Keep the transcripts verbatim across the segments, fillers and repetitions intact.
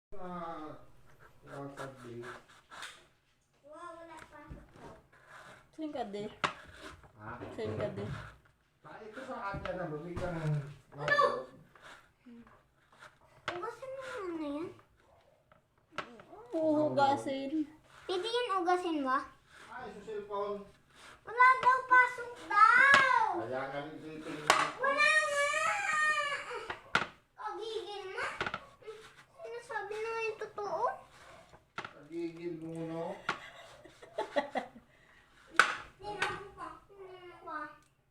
Ah, lakad din. Wow, wala pa. Saan ka di? Ha? Saan ka di? Ah, ito sa akin na bumigyan ng ano? Ugasin mo muna yan. Huhugasin. Pwede yan ugasin mo? Ay, sa cellphone. Wala daw, pasok daw! Kaya nga nagtitingin. Wala nga! O, gigil na. Sinasabi na nga yung totoo. Nagigil muna. Tingnan mo pa. Tingnan mo pa.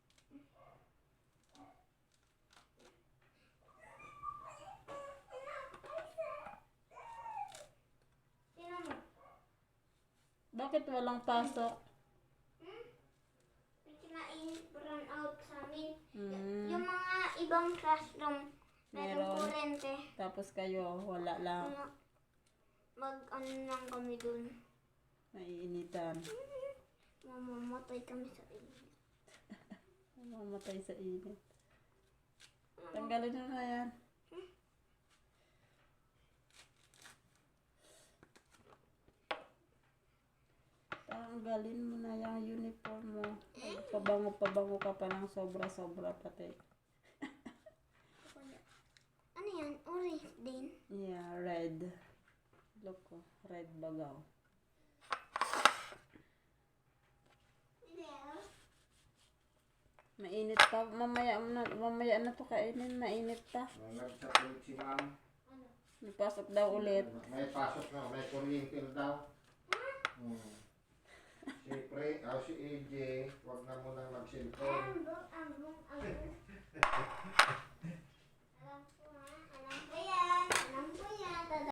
Tingnan mo. Bakit walang pasok? Hmm? May kinain brown out sa amin. Y- Hmm. yung mga ibang classroom, merong Meron. kurente. Tapos kayo, wala lang. Mga mag ano lang kami dun. Naiinitan. Mamamatay kami sa inyo. Mamatay sa init. Tanggalin mo na yan. Tanggalin mo na yung uniform mo. Pabango-pabango ka pa ng sobra-sobra pati. Ano yan? Orange din? Yeah, red. Look ko, red bagaw. Mainit pa. Mamaya na, mamaya na to kainin. Mainit pa. Nagsasalit si ma'am. May pasok daw ulit. May pasok na, may kuryente daw. Hmm. Si Pre, oh, si A J, huwag na munang mag-cellphone. Ambong, ambong, ambong.